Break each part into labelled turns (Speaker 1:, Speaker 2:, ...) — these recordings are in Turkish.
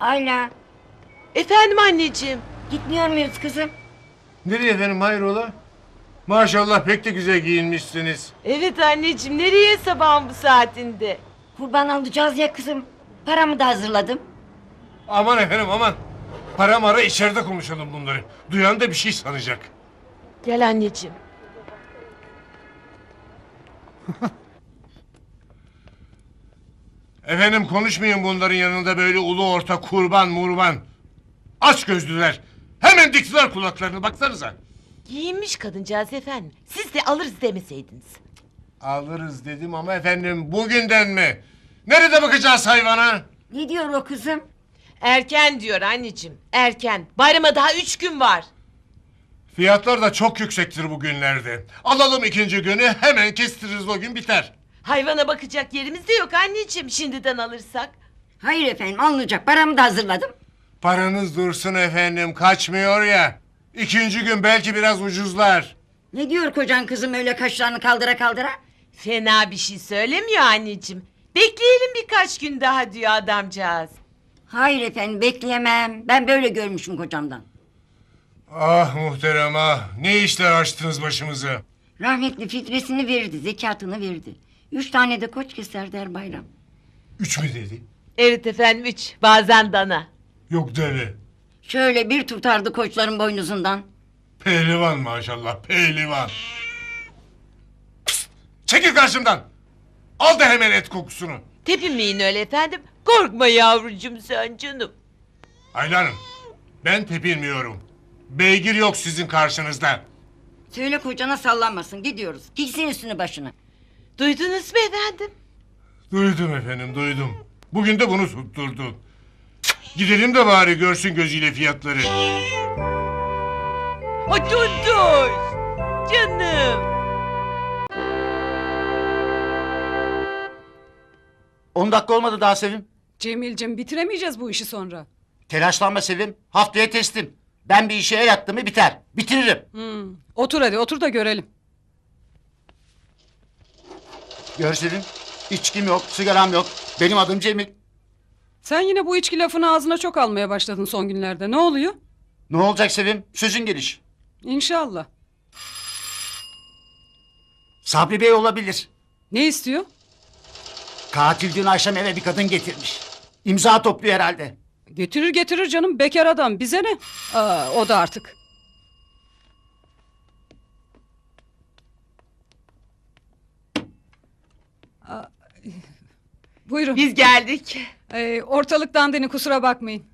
Speaker 1: Ayla,
Speaker 2: Efendim anneciğim.
Speaker 1: gitmiyor muyuz kızım?
Speaker 3: Nereye efendim, hayrola? Maşallah pek de güzel giyinmişsiniz.
Speaker 2: Evet anneciğim, nereye sabahın bu saatinde?
Speaker 1: Kurban alacağız ya kızım. Paramı da hazırladım.
Speaker 3: Aman efendim aman. Para mara içeride konuşalım bunları. Duyan da bir şey sanacak.
Speaker 2: Gel anneciğim.
Speaker 3: Efendim konuşmayın bunların yanında böyle ulu orta kurban murban. Aç gözlüler. Hemen diktiler kulaklarını, baksanıza.
Speaker 2: Giyinmiş kadıncağız efendim. Siz de alırız demeseydiniz.
Speaker 3: Alırız dedim ama efendim bugünden mi? Nerede bakacağız hayvana?
Speaker 1: Ne diyor o kızım?
Speaker 2: Erken diyor anneciğim, erken. Bayrama daha 3 gün var.
Speaker 3: Fiyatlar da çok yüksektir bugünlerde. Alalım ikinci günü, hemen kestiririz, o gün biter.
Speaker 2: Hayvana bakacak yerimiz de yok anneciğim, şimdiden alırsak.
Speaker 1: Hayır efendim, alınacak. Paramı da hazırladım.
Speaker 3: Paranız dursun efendim, kaçmıyor ya. İkinci gün belki biraz ucuzlar.
Speaker 1: Ne diyor kocan kızım öyle kaşlarını kaldıra kaldıra?
Speaker 2: Fena bir şey söylemiyor anneciğim. Bekleyelim birkaç gün daha diyor adamcağız.
Speaker 1: Hayır efendim, bekleyemem. Ben böyle görmüşüm kocamdan.
Speaker 3: Ah muhterem ah, ne işler açtınız başımıza.
Speaker 1: Rahmetli fitresini verirdi, zekatını verdi. 3 tane de koç keserdi her bayram.
Speaker 3: 3 mü dedi?
Speaker 2: Evet efendim 3, bazen dana.
Speaker 3: Yok deve.
Speaker 1: Şöyle bir tutardı koçların boynuzundan.
Speaker 3: Pehlivan maşallah, pehlivan. Pst, çekil karşımdan. Al da hemen et kokusunu.
Speaker 2: Tepinmeyin öyle efendim. Korkma yavrucuğum sen canım.
Speaker 3: Ayla Hanım, ben tepinmiyorum. Beygir yok sizin karşınızda.
Speaker 1: Söyle kocana sallanmasın, gidiyoruz. Giysin üstünü başını.
Speaker 2: Duydunuz mu efendim?
Speaker 3: Duydum efendim, duydum. Bugün de bunu tutturdun. Gidelim de bari görsün gözüyle fiyatları.
Speaker 2: Ha dur. Canım.
Speaker 4: 10 dakika olmadı daha Sevim.
Speaker 5: Cemil'cim bitiremeyeceğiz bu işi sonra.
Speaker 4: Telaşlanma Sevim. Haftaya teslim. Ben bir işe el attım mı biter. Bitiririm.
Speaker 5: Otur hadi otur da görelim.
Speaker 4: Gör Sevim. İçkim yok, sigaram yok. Benim adım Cemil.
Speaker 5: Sen yine bu içki lafını ağzına çok almaya başladın son günlerde. Ne oluyor?
Speaker 4: Ne olacak Sevim? Sözün geliş.
Speaker 5: İnşallah.
Speaker 4: Sabri Bey olabilir.
Speaker 5: Ne istiyor?
Speaker 4: Katil dün akşam eve bir kadın getirmiş. İmza topluyor herhalde.
Speaker 5: Getirir canım bekar adam. Bize ne? O da artık. Aa, buyurun.
Speaker 2: Biz geldik.
Speaker 5: Ortalık dandini kusura bakmayın.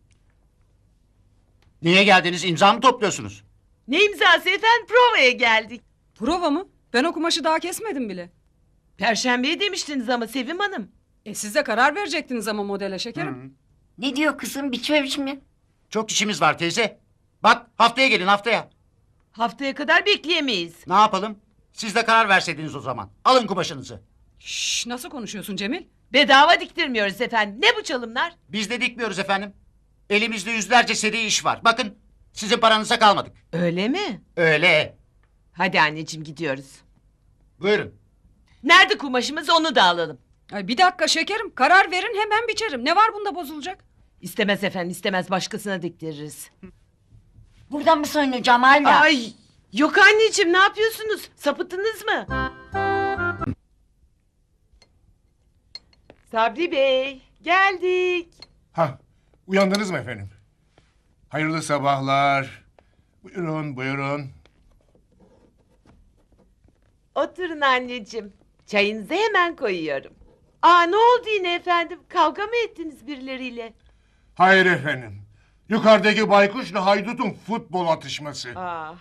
Speaker 4: Niye geldiniz? İmza mı topluyorsunuz?
Speaker 2: Ne imzası efendim? Provaya geldik.
Speaker 5: Prova mı? Ben o kumaşı daha kesmedim bile.
Speaker 2: Perşembeye demiştiniz ama Sevim Hanım.
Speaker 5: Siz de karar verecektiniz ama modele şekerim.
Speaker 1: Ne diyor kızım, biçme biçme.
Speaker 4: Çok işimiz var teyze. Bak haftaya gelin haftaya.
Speaker 2: Haftaya kadar bekleyemeyiz.
Speaker 4: Ne yapalım? Siz de karar verseydiniz o zaman. Alın kumaşınızı.
Speaker 5: Şşş, nasıl konuşuyorsun Cemil?
Speaker 2: Bedava diktirmiyoruz efendim. Ne bu çalımlar?
Speaker 4: Biz de dikmiyoruz efendim. Elimizde yüzlerce seri iş var. Bakın sizin paranıza kalmadık.
Speaker 2: Öyle mi?
Speaker 4: Öyle.
Speaker 2: Hadi anneciğim gidiyoruz.
Speaker 4: Buyurun.
Speaker 2: Nerede kumaşımız onu da alalım.
Speaker 5: Ay bir dakika şekerim. Karar verin hemen biçerim. Ne var bunda bozulacak?
Speaker 2: İstemez efendim istemez başkasına diktiririz.
Speaker 1: Buradan mı soyunacağım Ayla?
Speaker 2: Ay yok anneciğim ne yapıyorsunuz? Sapıttınız mı? Sabri Bey geldik.
Speaker 3: Ha, uyandınız mı efendim? Hayırlı sabahlar. Buyurun, buyurun.
Speaker 2: Oturun anneciğim. Çayınızı hemen koyuyorum. Ne oldu yine efendim? Kavga mı ettiniz birileriyle?
Speaker 3: Hayır efendim. Yukarıdaki baykuşla haydutun futbol atışması.
Speaker 2: Aa,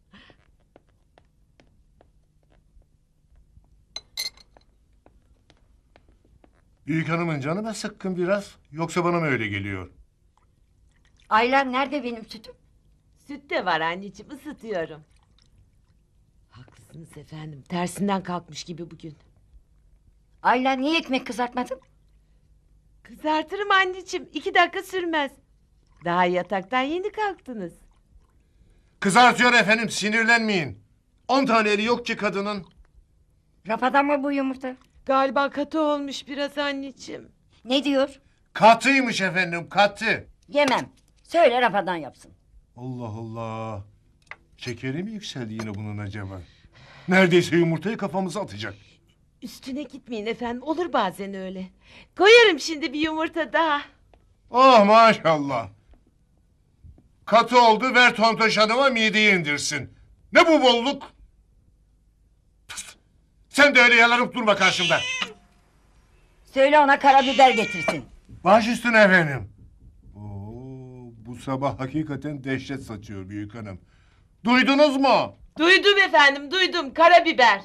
Speaker 3: Büyük hanımın canı mı sıkkın biraz? Yoksa bana mı öyle geliyor?
Speaker 1: Ayla nerede benim sütüm?
Speaker 2: süt de var anneciğim ısıtıyorum. Haklısınız efendim. Tersinden kalkmış gibi bugün.
Speaker 1: Ayla niye ekmek kızartmadın?
Speaker 2: Kızartırım anneciğim. 2 dakika sürmez. Daha yataktan yeni kalktınız.
Speaker 3: Kızartıyor efendim, sinirlenmeyin. 10 tane eli yok ki kadının.
Speaker 1: Rafadan mı bu yumurta?
Speaker 2: Galiba katı olmuş biraz anneciğim.
Speaker 1: Ne diyor?
Speaker 3: Katıymış efendim, katı.
Speaker 1: Yemem. Söyle rafadan yapsın.
Speaker 3: Allah Allah. Şekeri mi yükseldi yine bunun acaba? Neredeyse yumurtayı kafamıza atacak.
Speaker 2: Üstüne gitmeyin efendim. Olur bazen öyle. Koyarım şimdi bir yumurta daha.
Speaker 3: Oh maşallah. Katı oldu, ver Tontoş Hanım'a mideyi indirsin. Ne bu bolluk? Pıst! Sen de öyle yalanıp durma karşımda.
Speaker 1: Söyle ona karabiber getirsin.
Speaker 3: Baş üstüne efendim. Oo, bu sabah hakikaten dehşet saçıyor büyük hanım. Duydunuz mu?
Speaker 2: Duydum efendim, duydum. Karabiber.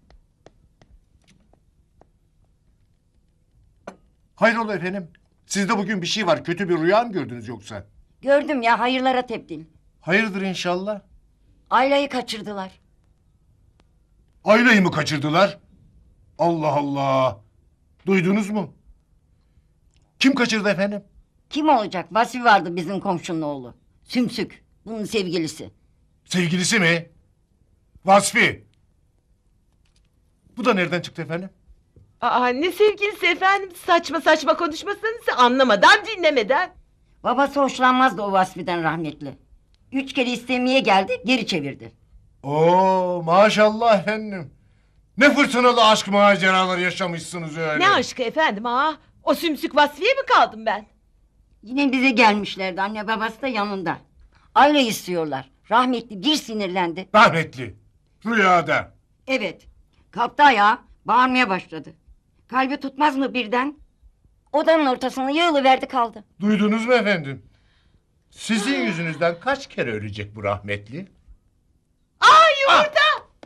Speaker 3: Hayrola efendim? Sizde bugün bir şey var. Kötü bir rüya mı gördünüz yoksa?
Speaker 1: Gördüm ya, hayırlara tebdil.
Speaker 3: Hayırdır inşallah.
Speaker 1: Ayla'yı kaçırdılar.
Speaker 3: Ayla'yı mı kaçırdılar? Allah Allah. Duydunuz mu? Kim kaçırdı efendim?
Speaker 1: Kim olacak? Vasfi vardı bizim komşunun oğlu. Sümsük. Bunun sevgilisi.
Speaker 3: Sevgilisi mi? Vasfi. Bu da nereden çıktı efendim?
Speaker 2: Aa, ne sevgilisi efendim? Saçma saçma konuşmasanız anlamadan dinlemeden.
Speaker 1: Babası hoşlanmazdı o Vasfi'den rahmetli. 3 kere istemeye geldi, geri çevirdi.
Speaker 3: Oo maşallah efendim. Ne fırtınalı aşk maceraları yaşamışsınız öyle.
Speaker 2: Ne aşkı efendim ha? O sümsük Vasfiye mi kaldım ben?
Speaker 1: Yine bize gelmişlerdi, anne babası da yanında. Ayla istiyorlar. Rahmetli bir sinirlendi.
Speaker 3: Rahmetli. Rüyada.
Speaker 1: Evet. Kalktı ayağa, bağırmaya başladı. Kalbi tutmaz mı birden? Odanın ortasına yığılıverdi kaldı.
Speaker 3: Duydunuz mu efendim? Sizin yüzünüzden kaç kere ölecek bu rahmetli?
Speaker 2: Aa, yumurta!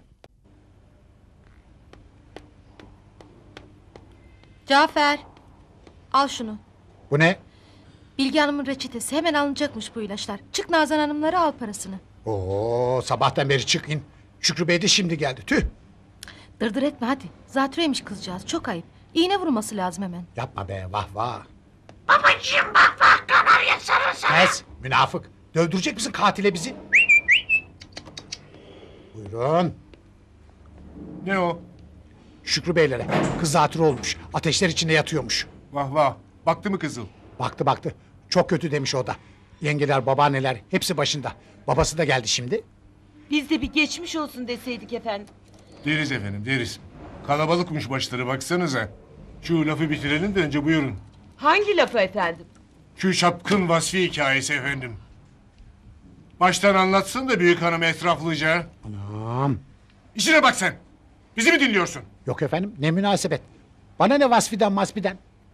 Speaker 6: Cafer, al şunu.
Speaker 7: Bu ne?
Speaker 6: Bilge Hanım'ın reçetesi, hemen alınacakmış bu ilaçlar. Çık Nazan Hanımlara, al parasını.
Speaker 7: Oo, sabahtan beri çık in. Şükrü Bey de şimdi geldi. Tüh.
Speaker 6: Dırdır etme hadi. Zatürreymiş kızcağız, çok ayıp. İğne vurması lazım hemen.
Speaker 7: Yapma be, vah vah. Babacığım bak bak, kanarya sarılsa. Kes, münafık. Dövdürecek misin katile bizi? Buyurun.
Speaker 3: Ne o?
Speaker 7: Şükrü Beylere. Kız zatürre olmuş. Ateşler içinde yatıyormuş.
Speaker 3: Vah vah. Baktı mı kızıl?
Speaker 7: Baktı baktı. Çok kötü demiş o da. Yengeler, babaanneler hepsi başında. Babası da geldi şimdi.
Speaker 2: Biz de bir geçmiş olsun deseydik efendim.
Speaker 3: Deriz efendim deriz. Kalabalıkmış başları baksanıza. Şu lafı bitirelim de önce buyurun.
Speaker 2: Hangi lafı efendim?
Speaker 3: Şu şapkın Vasfi hikayesi efendim. Baştan anlatsın da büyük hanım etraflıca.
Speaker 7: Anam.
Speaker 3: İşine bak sen. Bizi mi dinliyorsun?
Speaker 7: Yok efendim, ne münasebet. Bana ne Vasfi'den Masfi'den.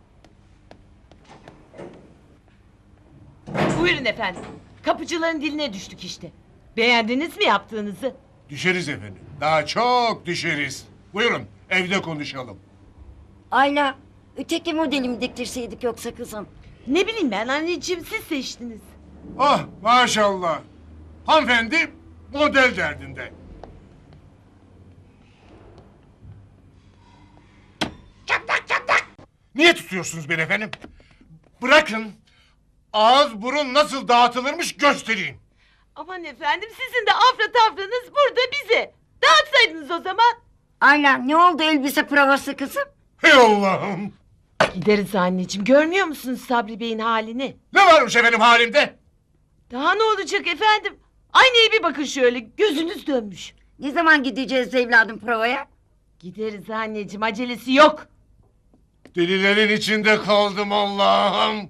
Speaker 2: Buyurun efendim. Kapıcıların diline düştük işte. Beğendiniz mi yaptığınızı?
Speaker 3: Düşeriz efendim. Daha çok düşeriz. Buyurun evde konuşalım.
Speaker 1: Ayla, öteki modeli mi diktirseydik yoksa kızım?
Speaker 2: Ne bileyim ben anneciğim, siz seçtiniz.
Speaker 3: Oh maşallah. Hanımefendi model derdinde. Niye tutuyorsunuz beni efendim? Bırakın. Ağız burun nasıl dağıtılırmış göstereyim.
Speaker 2: Aman efendim, sizin de afra tafranız burada bize. Dağıtsaydınız o zaman.
Speaker 1: Ayla, ne oldu elbise provası kızım?
Speaker 3: Hey Allah'ım.
Speaker 2: Gideriz anneciğim, görmüyor musunuz Sabri Bey'in halini?
Speaker 3: Ne varmış efendim halimde?
Speaker 2: Daha ne olacak efendim? Aynaya bir bakın şöyle, gözünüz dönmüş.
Speaker 1: Ne zaman gideceğiz evladım provaya?
Speaker 2: Gideriz anneciğim, acelesi yok.
Speaker 3: Delilerin içinde kaldım Allah'ım.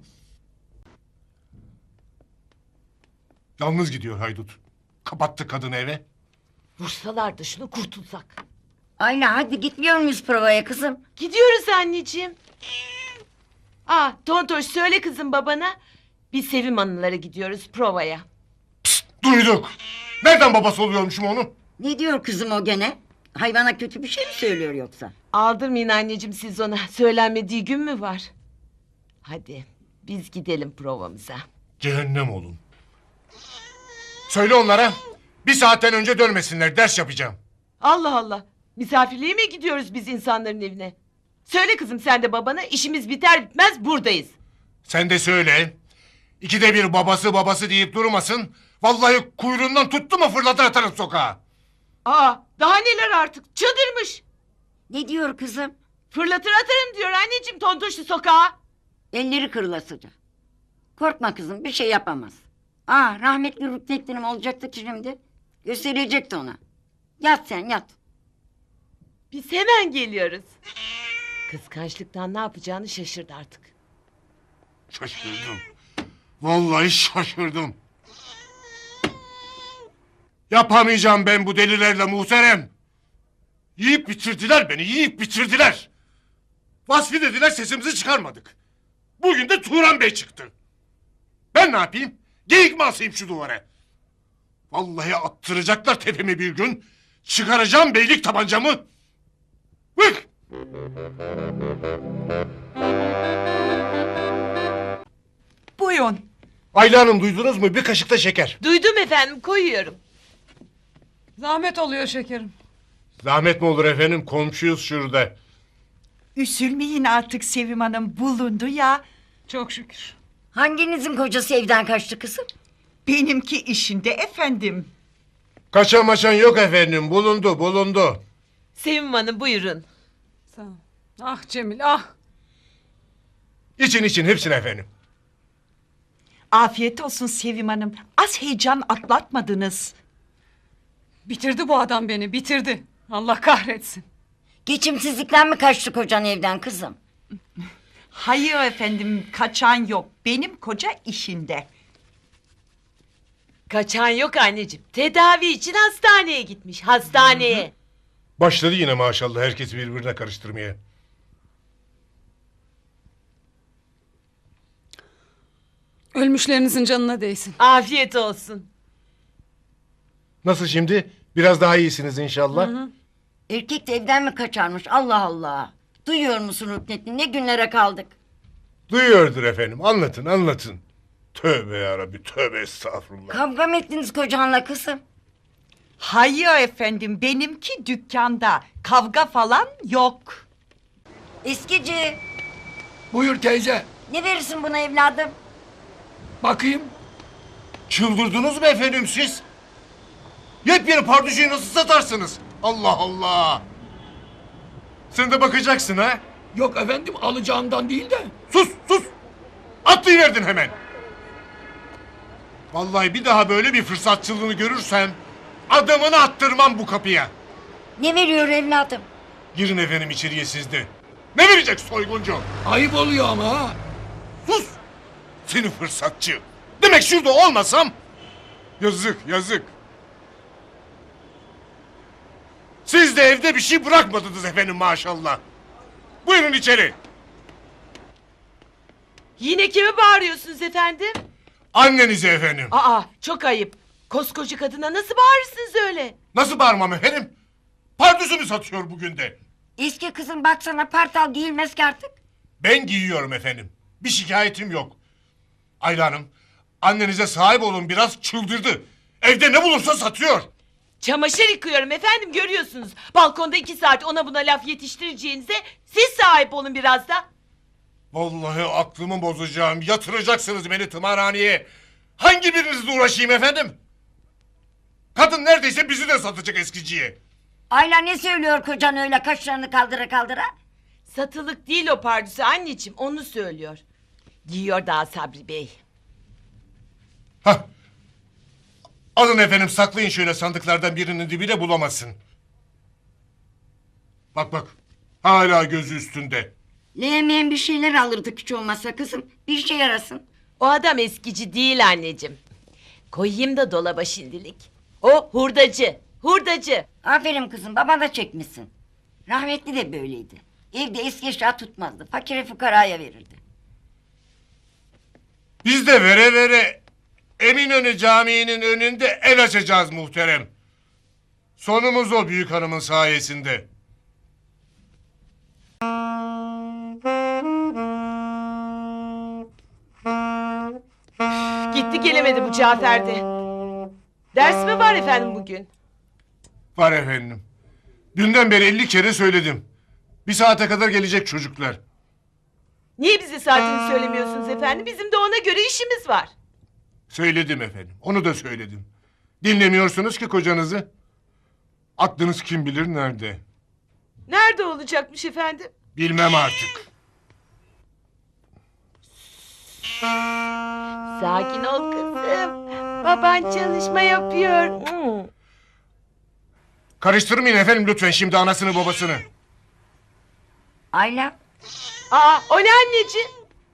Speaker 3: Yalnız gidiyor haydut. Kapattı kadını eve.
Speaker 2: Vursalar da şunu, kurtulsak.
Speaker 1: Ayla, hadi gitmiyor muyuz provaya kızım?
Speaker 2: Gidiyoruz anneciğim. Tontoş, söyle kızım babana. Biz Sevim Hanımlara gidiyoruz provaya.
Speaker 3: Duyduk. Nereden babası oluyormuşum onun?
Speaker 1: Ne diyor kızım o gene? Hayvana kötü bir şey mi söylüyor yoksa?
Speaker 2: Aldırmayın anneciğim siz ona. Söylenmediği gün mü var? Hadi biz gidelim provamıza.
Speaker 3: Cehennem olun. Söyle onlara. Bir saatten önce dönmesinler. Ders yapacağım.
Speaker 2: Allah Allah. Misafirliğe mi gidiyoruz biz insanların evine? Söyle kızım sen de babana, işimiz biter bitmez buradayız.
Speaker 3: Sen de söyle. İkide bir babası babası deyip durmasın. Vallahi kuyruğundan tuttu mu fırlatır atarım sokağa.
Speaker 2: Daha neler artık, çıldırmış.
Speaker 1: Ne diyor kızım?
Speaker 2: Fırlatır atarım diyor anneciğim Tontoş'u sokağa.
Speaker 1: Elleri kırılasıca. Korkma kızım, bir şey yapamaz. Rahmetli Rüknettin'im olacaktı ki şimdi. Gösterecekti ona. Yat sen, yat.
Speaker 2: Biz hemen geliyoruz. Kıskançlıktan ne yapacağını şaşırdı artık.
Speaker 3: Şaşırdım. Vallahi şaşırdım. Yapamayacağım ben bu delilerle muhterem. Yiyip bitirdiler beni, yiyip bitirdiler. Vasfi dediler, sesimizi çıkarmadık. Bugün de Turan Bey çıktı. Ben ne yapayım? Geyik mi asayım şu duvara? Vallahi attıracaklar tepemi bir gün. Çıkaracağım beylik tabancamı. Bık!
Speaker 8: Buyurun.
Speaker 3: Ayla Hanım, duydunuz mu? Bir kaşık da şeker.
Speaker 2: Duydum efendim, koyuyorum.
Speaker 5: Zahmet oluyor şekerim.
Speaker 3: Zahmet mi olur efendim? Komşuyuz şurada.
Speaker 8: Üzülmeyin artık Sevim Hanım, bulundu ya.
Speaker 5: Çok şükür.
Speaker 1: Hanginizin kocası evden kaçtı kızım?
Speaker 8: Benimki işinde efendim.
Speaker 3: Kaçan maçan yok efendim. Bulundu.
Speaker 2: Sevim Hanım buyurun.
Speaker 5: Sağ ol. Ah Cemil, ah.
Speaker 3: İçin hepsini efendim.
Speaker 8: Afiyet olsun Sevim Hanım. Az heyecan atlatmadınız.
Speaker 5: Bitirdi bu adam beni, bitirdi. Allah kahretsin.
Speaker 1: Geçimsizlikten mi kaçtı kocan evden kızım?
Speaker 8: Hayır efendim, kaçan yok. Benim koca işinde.
Speaker 2: Kaçan yok anneciğim. Tedavi için hastaneye gitmiş. Hastaneye.
Speaker 3: Başladı yine maşallah herkesi birbirine karıştırmaya.
Speaker 5: Ölmüşlerinizin canına değsin.
Speaker 2: Afiyet olsun.
Speaker 3: Nasıl şimdi? Biraz daha iyisiniz inşallah.
Speaker 1: Erkek de evden mi kaçarmış? Allah Allah. Duyuyor musun Rüknettin? Ne günlere kaldık.
Speaker 3: Duyuyordur efendim. Anlatın. Tövbe yarabbi, tövbe estağfurullah.
Speaker 1: Kavga mı ettiniz kocanla kızım?
Speaker 8: Hayır efendim, benimki dükkanda. Kavga falan yok.
Speaker 1: Eskici,
Speaker 9: Buyur teyze.
Speaker 1: ne verirsin buna evladım?
Speaker 9: Bakayım.
Speaker 3: Çıldırdınız mı efendim siz? Yepyeni pardüşüyü nasıl satarsınız? Allah Allah. Sen de bakacaksın ha?
Speaker 9: Yok efendim alacağımdan değil de.
Speaker 3: Sus! Atlayıverdin hemen. Vallahi bir daha böyle bir fırsatçılığını görürsem adamını attırmam bu kapıya.
Speaker 1: Ne veriyor evladım?
Speaker 3: Girin efendim içeriye siz de. Ne verecek soyguncu?
Speaker 9: Ayıp oluyor ama ha.
Speaker 3: Sus! Seni fırsatçı. Demek şurada olmasam. Yazık. Siz de evde bir şey bırakmadınız efendim maşallah. Buyurun içeri.
Speaker 2: Yine kime bağırıyorsunuz efendim?
Speaker 3: Annenize efendim.
Speaker 2: Çok ayıp. Koskoca kadına nasıl bağırırsınız öyle?
Speaker 3: Nasıl bağırmam efendim? Pardüsü mü satıyor bugün de?
Speaker 1: Eski kızım baksana partal giyilmez ki artık.
Speaker 3: Ben giyiyorum efendim. Bir şikayetim yok. Ayla Hanım, annenize sahip olun, biraz çıldırdı. Evde ne bulursa satıyor.
Speaker 2: Çamaşır yıkıyorum efendim, görüyorsunuz. Balkonda 2 saat ona buna laf yetiştireceğinize siz sahip olun biraz da.
Speaker 3: Vallahi aklımı bozacağım. Yatıracaksınız beni tımarhaneye. Hangi birinizle uğraşayım efendim? Kadın neredeyse bizi de satacak eskiciye.
Speaker 1: Ayla ne söylüyor kocan öyle kaşlarını kaldıra kaldıra?
Speaker 2: Satılık değil o pardüsü anneciğim, onu söylüyor. Giyiyor daha Sabri Bey.
Speaker 3: Hah. Alın efendim, saklayın şöyle sandıklardan birinin dibine, bulamasın. Bak. Hala gözü üstünde.
Speaker 1: Leğmeyen bir şeyler alırdık hiç olmazsa kızım. Bir şey yarasın.
Speaker 2: O adam eskici değil anneciğim. Koyayım da dolaba şimdilik. O hurdacı.
Speaker 1: Aferin kızım, baba da çekmişsin. Rahmetli de böyleydi. Evde eski eşya tutmazdı. Fakire fukaraya verirdi.
Speaker 3: Biz de vere Eminönü Camii'nin önünde el açacağız muhterem. Sonumuz o büyük hanımın sayesinde.
Speaker 2: Gitti gelemedi bu Cafer de. Ders mi var efendim bugün?
Speaker 3: Var efendim. Dünden beri 50 kere söyledim. Bir saate kadar gelecek çocuklar.
Speaker 2: Niye bize saatini söylemiyorsunuz efendim? Bizim de ona göre işimiz var.
Speaker 3: Söyledim efendim. Onu da söyledim. Dinlemiyorsunuz ki kocanızı. Aklınız kim bilir nerede.
Speaker 2: Nerede olacakmış efendim?
Speaker 3: Bilmem artık.
Speaker 2: Sakin ol kızım. Baban çalışma yapıyor.
Speaker 3: Karıştırmayın efendim lütfen şimdi anasını babasını.
Speaker 1: Ayla,
Speaker 2: Aa, o ne anneciğim?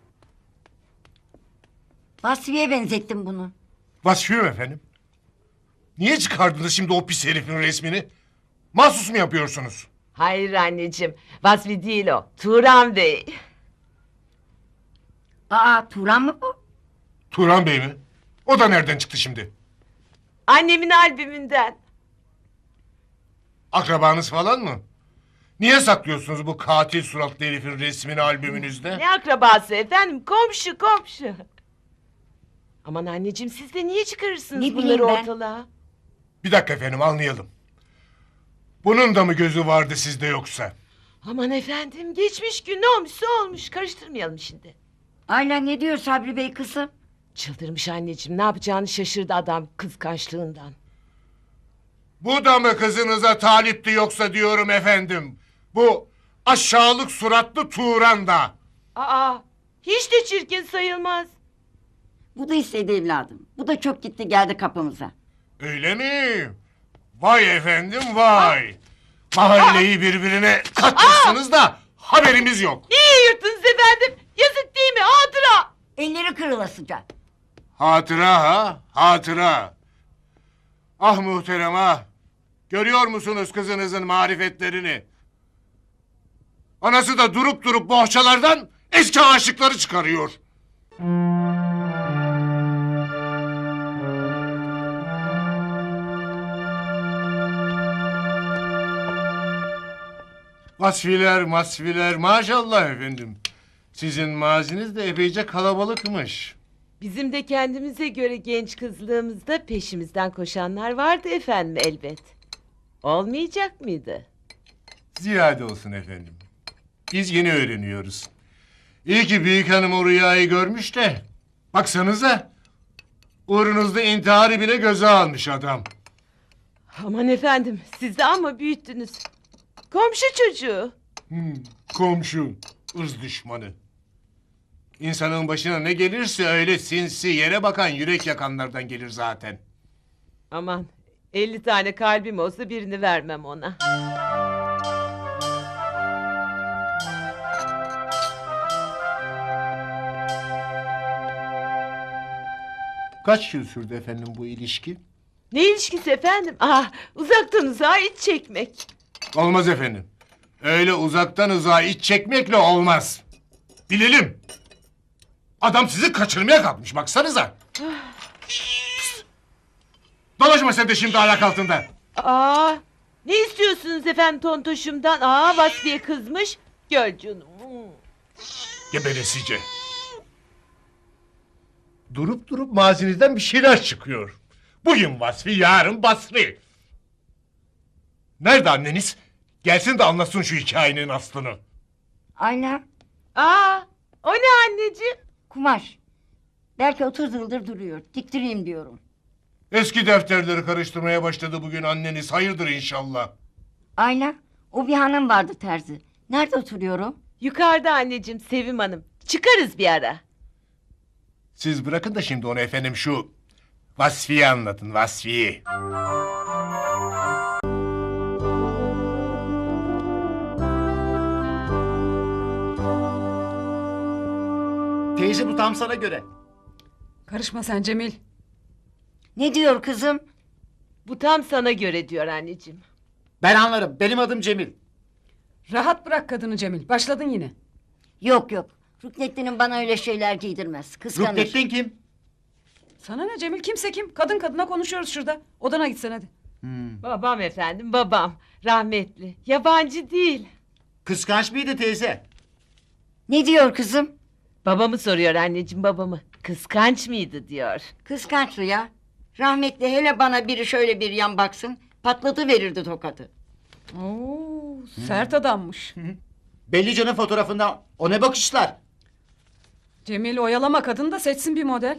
Speaker 1: Vasfiye benzettim bunu.
Speaker 3: Vasfiye mi efendim? Niye çıkardınız şimdi o pis herifin resmini? Mahsus mu yapıyorsunuz?
Speaker 2: Hayır anneciğim. Vasfi değil o. Turan Bey.
Speaker 1: Aa, Turan mı bu?
Speaker 3: Turan Bey mi? O da nereden çıktı şimdi?
Speaker 2: Annemin albümünden.
Speaker 3: Akrabanız falan mı? Niye saklıyorsunuz bu katil suratlı herifin resmini albümünüzde?
Speaker 2: Ne akrabası efendim? Komşu komşu. Aman anneciğim siz de niye çıkarırsınız
Speaker 1: Ne
Speaker 2: bunları
Speaker 1: bileyim ben?
Speaker 2: ortalığa?
Speaker 3: Bir dakika efendim anlayalım. Bunun da mı gözü vardı sizde yoksa?
Speaker 2: Aman efendim geçmiş gün ne olmuşsa olmuş. Karıştırmayalım şimdi.
Speaker 1: Ayla ne diyor Sabri Bey kızım?
Speaker 2: Çıldırmış anneciğim. Ne yapacağını şaşırdı adam kıskançlığından.
Speaker 3: Bu da mı kızınıza talipti yoksa diyorum efendim. Bu aşağılık suratlı Turan da.
Speaker 2: Aa, hiç de çirkin sayılmaz.
Speaker 1: Bu da istedi evladım. Bu da çok gitti geldi kapımıza.
Speaker 3: Öyle mi? Vay efendim vay. Mahalleyi birbirine katmışsınız da haberimiz yok.
Speaker 2: İyi yırttınız efendim. Yazık değil mi? Hatıra.
Speaker 1: Elleri kırılasıca.
Speaker 3: Hatıra ha, hatıra. Ah muhterem ah. Görüyor musunuz kızınızın marifetlerini? Anası da durup durup bohçalardan eski aşıkları çıkarıyor. Vasfiler masfiler maşallah efendim. Sizin maziniz de epeyce kalabalıkmış.
Speaker 2: Bizim de kendimize göre genç kızlığımızda peşimizden koşanlar vardı efendim elbet. Olmayacak mıydı?
Speaker 3: Ziyade olsun efendim. Biz yeni öğreniyoruz. İyi ki büyük hanım o rüyayı görmüş de. Baksanıza. Uğrunuzda intiharı bile göze almış adam.
Speaker 2: Aman efendim siz de ama büyüttünüz. Komşu çocuğu.
Speaker 3: Komşu, ırz düşmanı. İnsanın başına ne gelirse öyle sinsi, yere bakan, yürek yakanlardan gelir zaten.
Speaker 2: Aman 50 tane kalbim olsa birini vermem ona.
Speaker 3: Kaç yıl sürdü efendim bu ilişki?
Speaker 2: Ne ilişkisi efendim? Ah, uzaktan uzağa iç çekmek.
Speaker 3: Olmaz efendim. Öyle uzaktan uzağa iç çekmekle olmaz. Bilelim. Adam sizi kaçırmaya kalkmış baksanıza. Pst. Dolaşma sen de şimdi ayak altında.
Speaker 2: Aa, ne istiyorsunuz efendim tontoşumdan? Aa, Vasfiye kızmış. Gör canım.
Speaker 3: Geberesice. Durup durup mazinizden bir şeyler çıkıyor. Bugün Vasfi, yarın Basri. Nerede anneniz? Gelsin de anlasın şu hikayenin aslını.
Speaker 1: Ayla,
Speaker 2: Aa, o ne anneciğim?
Speaker 1: kumaş. Belki 30 yıldır duruyor. Diktireyim diyorum.
Speaker 3: Eski defterleri karıştırmaya başladı bugün anneniz. Hayırdır inşallah.
Speaker 1: Ayla, o bir hanım vardı terzi. Nerede oturuyorum?
Speaker 2: Yukarıda anneciğim Sevim Hanım. Çıkarız bir ara.
Speaker 3: Siz bırakın da şimdi onu efendim şu Vasfi'yi anlatın, Vasfi'yi.
Speaker 4: Teyze bu tam sana göre.
Speaker 5: Karışma sen Cemil.
Speaker 1: Ne diyor kızım?
Speaker 2: Bu tam sana göre diyor anneciğim.
Speaker 4: Ben anlarım. Benim adım Cemil.
Speaker 5: Rahat bırak kadını Cemil. Başladın yine.
Speaker 1: Yok yok. Rüknettin'in bana öyle şeyler giydirmez. Kıskanır.
Speaker 4: Rüknettin kim?
Speaker 5: Sana ne Cemil, kimse kim? Kadın kadına konuşuyoruz şurada. Odana gitsen hadi.
Speaker 2: Babam efendim babam. Rahmetli. Yabancı değil.
Speaker 4: Kıskanç mıydı teyze?
Speaker 1: Ne diyor kızım?
Speaker 2: Babamı soruyor anneciğim babamı. Kıskanç mıydı diyor.
Speaker 1: Kıskançlı ya. Rahmetli hele bana biri şöyle bir yan baksın. Patladı verirdi tokadı.
Speaker 5: Oo, sert adammış.
Speaker 4: Belli canın fotoğrafında. O ne bakışlar?
Speaker 5: Cemil oyalama kadın da seçsin bir model.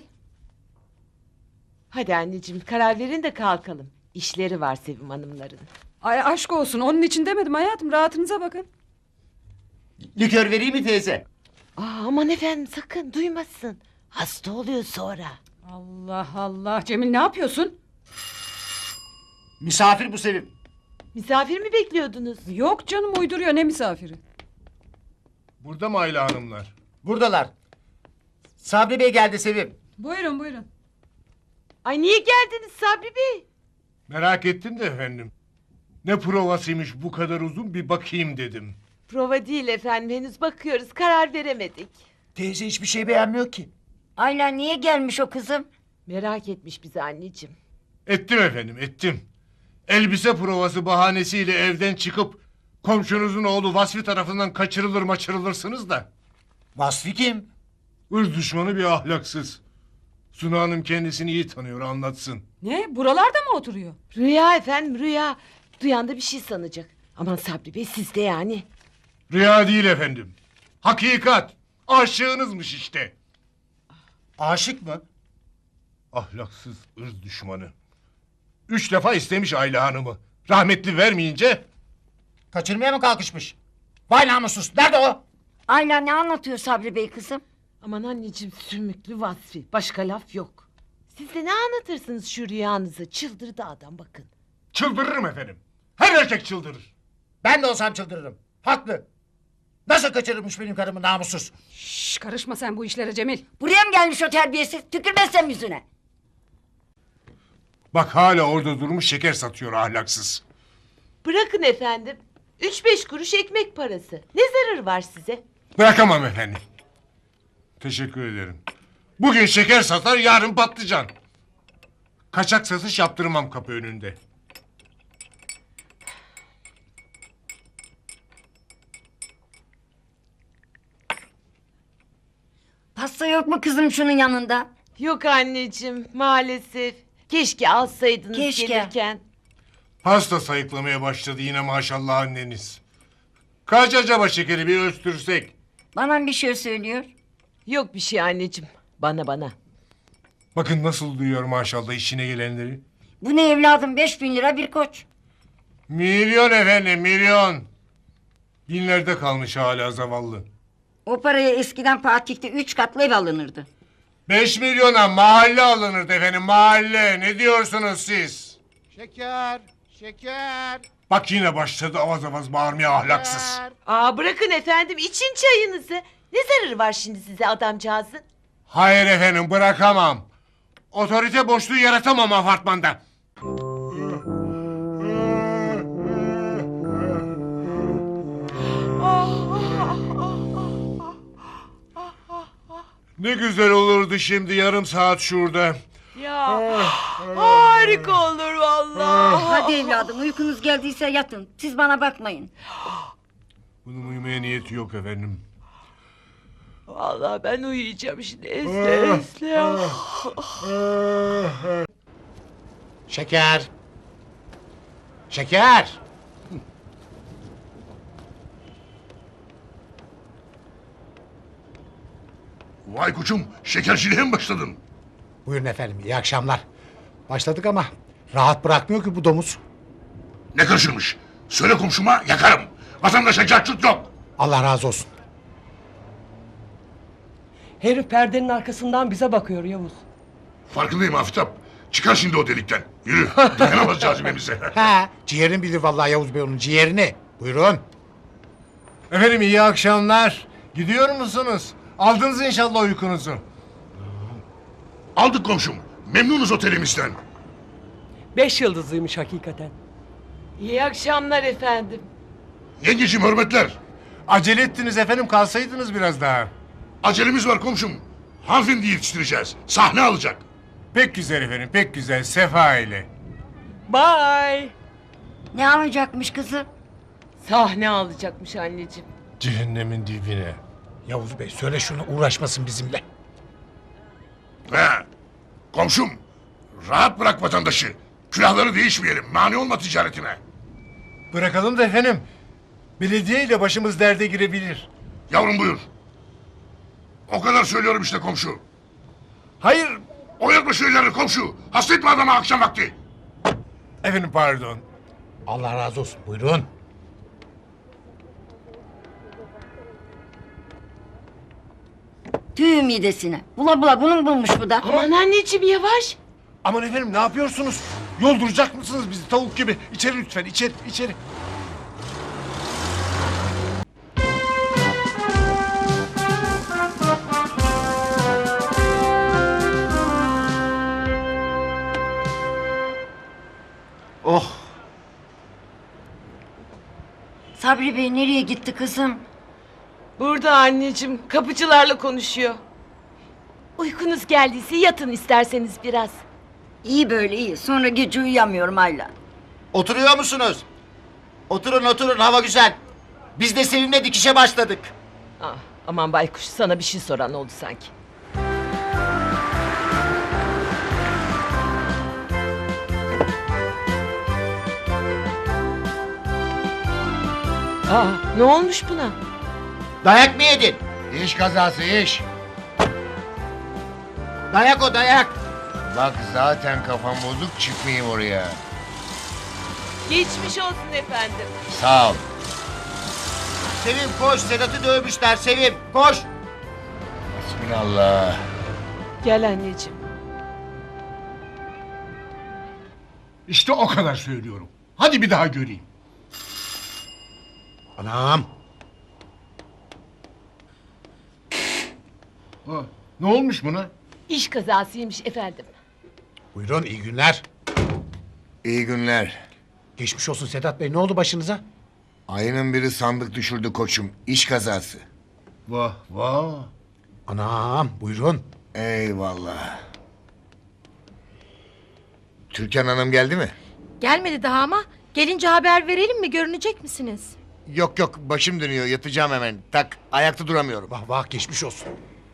Speaker 2: Hadi anneciğim karar verin de kalkalım. İşleri var Sevim Hanımların.
Speaker 5: Ay aşk olsun, onun için demedim hayatım. Rahatınıza bakın.
Speaker 4: Likör vereyim mi teyze?
Speaker 2: Aa, aman efendim sakın duymasın. Hasta oluyor sonra.
Speaker 5: Allah Allah. Cemil ne yapıyorsun?
Speaker 4: Misafir bu Sevim.
Speaker 2: Misafir mi bekliyordunuz?
Speaker 5: Yok canım uyduruyor ne misafiri.
Speaker 3: Burada mı Ayla Hanımlar?
Speaker 4: Buradalar. Sabri Bey geldi Sevim.
Speaker 5: Buyurun buyurun.
Speaker 2: Ay niye geldiniz Sabri Bey?
Speaker 3: Merak ettim de efendim. Ne provasıymış bu kadar uzun bir bakayım dedim.
Speaker 2: Prova değil efendim, henüz bakıyoruz, karar veremedik.
Speaker 7: Teyze hiçbir şey beğenmiyor ki.
Speaker 1: Ayla niye gelmiş o kızım?
Speaker 2: Merak etmiş bizi anneciğim.
Speaker 3: Ettim efendim ettim. Elbise provası bahanesiyle evden çıkıp komşunuzun oğlu Vasfi tarafından kaçırılır maçırılırsınız da.
Speaker 7: Vasfi kim?
Speaker 3: Irz düşmanı bir ahlaksız. Suna Hanım kendisini iyi tanıyor anlatsın.
Speaker 5: Ne? Buralarda mı oturuyor?
Speaker 2: Rüya efendim, rüya. Duyan da bir şey sanacak. Aman Sabri Bey, siz de yani.
Speaker 3: Rüya değil efendim. Hakikat. Aşığınızmış işte.
Speaker 7: Aşık mı?
Speaker 3: Ahlaksız ırz düşmanı. 3 defa istemiş Ayla Hanım'ı. Rahmetli vermeyince
Speaker 7: Kaçırmaya mı kalkışmış? Vay namussuz. Nerede o?
Speaker 1: Ayla ne anlatıyor Sabri Bey kızım?
Speaker 2: Aman anneciğim, sümüklü Vasfi. Başka laf yok. Siz de ne anlatırsınız şu rüyanızı? Çıldırdı adam bakın.
Speaker 3: çıldırırım efendim. Her erkek çıldırır.
Speaker 7: Ben de olsam çıldırırım. Haklı. Nasıl kaçırırmış benim karımı namussuz?
Speaker 5: Şşş karışma sen bu işlere Cemil.
Speaker 1: Buraya mı gelmiş o terbiyesiz? Tükürmezsem yüzüne.
Speaker 3: Bak hala orada durmuş şeker satıyor ahlaksız.
Speaker 2: Bırakın efendim. 3-5 kuruş ekmek parası. Ne zararı var size?
Speaker 3: Bırakamam efendim. Teşekkür ederim. Bugün şeker satar yarın patlıcan. Kaçak satış yaptırmam kapı önünde.
Speaker 1: Pasta yok mu kızım şunun yanında?
Speaker 2: Yok anneciğim, maalesef. Keşke alsaydınız
Speaker 1: Keşke.
Speaker 2: gelirken.
Speaker 3: Pasta sayıklamaya başladı yine maşallah anneniz. Kaç acaba şekeri bir ölçtürsek?
Speaker 1: Bana bir şey söylüyor.
Speaker 2: Yok bir şey anneciğim. Bana.
Speaker 3: Bakın nasıl duyuyor maşallah işine gelenleri.
Speaker 1: Bu ne evladım 5.000 lira bir koç.
Speaker 3: Milyon efendim milyon. Binlerde kalmış hala zavallı.
Speaker 1: O paraya eskiden Fatih'te 3 katlı ev alınırdı.
Speaker 3: 5 milyona mahalle alınırdı efendim mahalle. Ne diyorsunuz siz?
Speaker 7: Şeker, şeker.
Speaker 3: Bak yine başladı avaz avaz bağırmaya ahlaksız.
Speaker 2: Aa bırakın efendim, için çayınızı. Ne zararı var şimdi size adamcağızın?
Speaker 3: Hayır efendim bırakamam. Otorite boşluğu yaratamam apartmanda. Ne güzel olurdu şimdi yarım saat şurada.
Speaker 2: Ya harika olur vallahi.
Speaker 1: Hadi evladım uykunuz geldiyse yatın. Siz bana bakmayın.
Speaker 3: Bunun uyumaya niyeti yok efendim.
Speaker 2: Vallahi ben uyuyacağım şimdi esle esle.
Speaker 7: Şeker. Şeker.
Speaker 3: Vay koçum şekerciliğe mi başladın?
Speaker 7: Buyurun efendim, iyi akşamlar. Başladık ama rahat bırakmıyor ki bu domuz.
Speaker 3: Ne kaçırmış? Söyle komşuma yakarım. Vatandaşa cahçut yok.
Speaker 7: Allah razı olsun.
Speaker 10: Herif perdenin arkasından bize bakıyor Yavuz.
Speaker 3: Farkındayım Afitap. Çıkar şimdi o delikten. Yürü. Dayanamaz cazibemize.
Speaker 7: He, ciğerini bilir vallahi Yavuz Bey onun ciğerini. Buyurun.
Speaker 3: Efendim iyi akşamlar. Gidiyor musunuz? Aldınız inşallah uykunuzu. Aldık komşum. Memnunuz otelimizden.
Speaker 10: 5 yıldızlıymış hakikaten.
Speaker 2: İyi akşamlar efendim.
Speaker 3: Yengeciğim hürmetler. Acele ettiniz efendim kalsaydınız biraz daha. Acelemiz var komşum. Hanımefendi yetiştireceğiz. Sahne alacak. Pek güzel efendim pek güzel. Sefa ile.
Speaker 10: Bye.
Speaker 1: Ne alacakmış kızım?
Speaker 2: Sahne alacakmış anneciğim.
Speaker 3: Cehennemin dibine.
Speaker 7: Yavuz Bey söyle şunu uğraşmasın bizimle.
Speaker 3: He. Komşum. Rahat bırak vatandaşı. Külahları değişmeyelim. Mani olma ticaretine. Bırakalım da efendim. Belediye ile başımız derde girebilir. Yavrum buyur. O kadar söylüyorum işte komşu. Hayır. Oyatma şu ellerini komşu. Hasta etme adamı akşam vakti. Efendim pardon.
Speaker 7: Allah razı olsun. Buyurun.
Speaker 1: Tüy midesine. Bula bula bunu bulmuş bu da.
Speaker 2: Aman anneciğim yavaş.
Speaker 3: Aman efendim ne yapıyorsunuz? Yolduracak mısınız bizi tavuk gibi? İçeri lütfen, içeri.
Speaker 4: Oh.
Speaker 1: Sabri Bey nereye gitti kızım?
Speaker 2: Burada anneciğim kapıcılarla konuşuyor. Uykunuz geldiyse yatın isterseniz biraz.
Speaker 1: İyi böyle iyi. Sonra gece uyuyamıyorum hala.
Speaker 4: Oturuyor musunuz? Oturun hava güzel. Biz de seninle dikişe başladık.
Speaker 2: Ah, aman baykuş sana bir şey soran oldu sanki. Ne olmuş buna?
Speaker 4: Dayak mı yedin?
Speaker 3: İş kazası iş.
Speaker 4: Dayak o dayak.
Speaker 3: Bak zaten kafam bozuk çıkmayayım oraya.
Speaker 2: Geçmiş olsun efendim.
Speaker 3: Sağ ol.
Speaker 4: Sevim koş, Sedat'ı dövmüşler Sevim koş.
Speaker 3: Bismillah.
Speaker 2: Gel anneciğim.
Speaker 3: İşte o kadar söylüyorum. Hadi bir daha göreyim.
Speaker 7: Anam.
Speaker 3: Ne olmuş buna?
Speaker 2: İş kazasıymış efendim.
Speaker 7: Buyurun iyi günler.
Speaker 3: İyi günler.
Speaker 7: Geçmiş olsun Sedat Bey. Ne oldu başınıza?
Speaker 3: Ayının biri sandık düşürdü koçum. İş kazası. Vah vah.
Speaker 7: Anam buyurun.
Speaker 3: Eyvallah. Türkan Hanım geldi mi?
Speaker 6: Gelmedi daha ama gelince haber verelim mi? Görünecek misiniz?
Speaker 3: Yok başım dönüyor yatacağım hemen. Tak ayakta duramıyorum.
Speaker 7: Vah vah geçmiş olsun.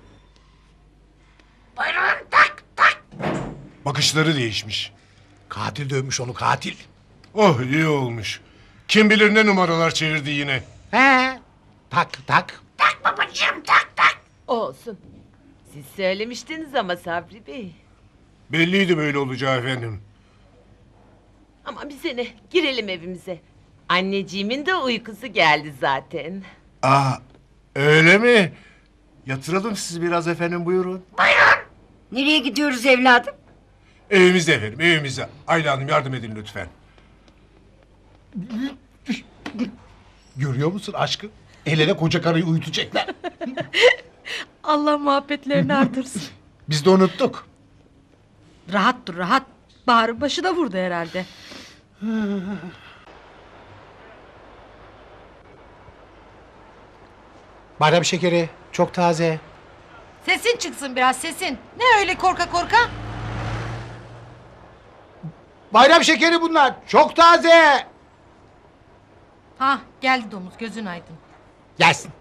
Speaker 3: Bakışları değişmiş.
Speaker 7: Katil dövmüş onu katil.
Speaker 3: Oh iyi olmuş. Kim bilir ne numaralar çevirdi yine.
Speaker 7: He. Tak.
Speaker 2: Olsun. Siz söylemiştiniz ama Sabri Bey.
Speaker 3: Belliydi böyle olacağı efendim.
Speaker 2: Ama bize ne? Girelim evimize. Anneciğimin de uykusu geldi zaten.
Speaker 3: Aa öyle mi? Yatıralım siz biraz efendim buyurun.
Speaker 1: Nereye gidiyoruz evladım?
Speaker 3: Evimizde efendim evimizde. Ayla Hanım yardım edin lütfen.
Speaker 7: Görüyor musun aşkı? El ele koca karıyı uyutacaklar.
Speaker 6: Allah muhabbetlerini artırsın.
Speaker 7: Biz de unuttuk.
Speaker 6: Rahat dur rahat. Bahar'ın başı da vurdu herhalde.
Speaker 7: Bayram şekeri çok taze.
Speaker 6: Sesin çıksın biraz sesin. Ne öyle korka korka?
Speaker 7: Bayram şekeri bunlar çok taze.
Speaker 6: Ha geldi domuz gözün aydın.
Speaker 7: Gelsin.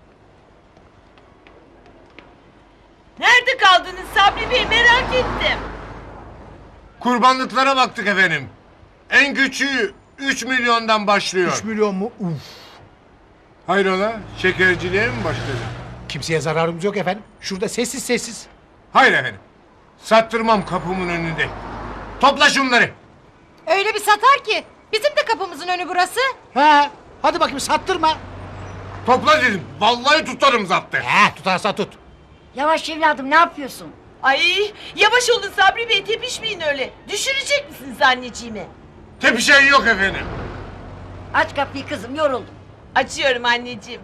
Speaker 2: Nerede kaldınız Sabri Bey merak ettim.
Speaker 3: Kurbanlıklara baktık efendim. En küçüğü 3 milyondan başlıyor.
Speaker 7: 3 milyon mu? Uf.
Speaker 3: Hayrola şekerciliğe mi başladı?
Speaker 7: Kimseye zararımız yok efendim. Şurada sessiz.
Speaker 3: Hayır efendim. Sattırmam kapımın önünde. Topla şunları.
Speaker 6: Öyle bir satar ki. Bizim de kapımızın önü burası.
Speaker 7: He. Hadi bakayım sattırma.
Speaker 3: Topla dedim. Vallahi tutarım zaptı.
Speaker 7: He tutarsa tut.
Speaker 1: Yavaş evladım ne yapıyorsun?
Speaker 2: Ay yavaş olun Sabri Bey tepişmeyin öyle. Düşürecek misiniz anneciğimi?
Speaker 3: Tepişen yok efendim.
Speaker 1: Aç kapıyı kızım yoruldum.
Speaker 2: Açıyorum anneciğim.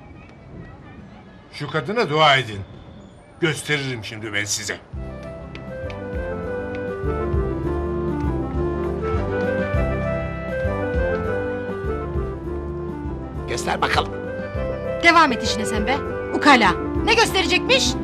Speaker 3: Şu kadına dua edin. Gösteririm şimdi ben size.
Speaker 7: Göster bakalım.
Speaker 6: Devam et işine sen be. Ukala. Ne gösterecekmiş?